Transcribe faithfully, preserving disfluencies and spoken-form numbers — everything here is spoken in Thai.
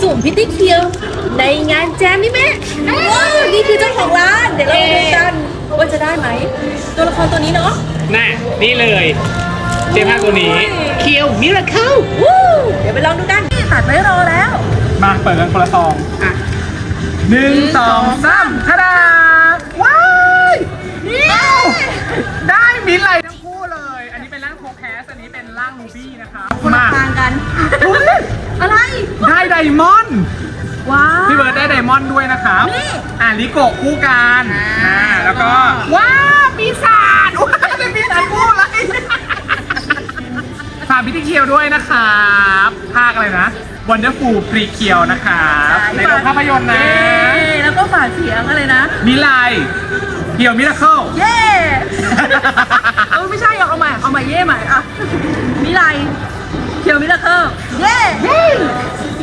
สุ่มพิธีเคียวในงานแจมนี่แม่ว้าวนี่คือเจ้าของร้านเดี๋ยวเรามาดูกันว่าจะได้ไหมตัวละครตัวนี้เนาะน่ะนี่เลยเจมส์ตัวนี้เคียวมิราเคิลวู้เดี๋ยวไปลองดูกันนี่ตัดไว้รอแล้วมาเปิดกันคนละซองอ่ะหนึ่งสองสามทาดาว้ายได้มินท์ไลทั้งคู่เลย อันนี้เป็นร่างโคแคสอันนี้เป็นร่างลูบี้นะครับคนละมาทางกันอะไรได้ไดมอนด์ว้าวพี่เบิร์ดได้ไดมอนด์ด้วยนะครับนี่อ่าลิโกะคู่กันอ่าอ่าแล้วก็ว้าวปีศาจว้าวเป็นปีศาจคู่เลยฝากพิธีเคียวด้วยนะครับภาคอะไรนะ Wonderful พรีเคียวนะครับในโรงภาพยนตร์นะเย้แล้วก็ฝากเสียงอะไรนะมิไลเคียวมิราเคิลเย่เออไม่ใช่หรอกเอาใหม่เอาใหม่เย่ใหม่อ่ะมิไลเคียวมิราเคิลเย่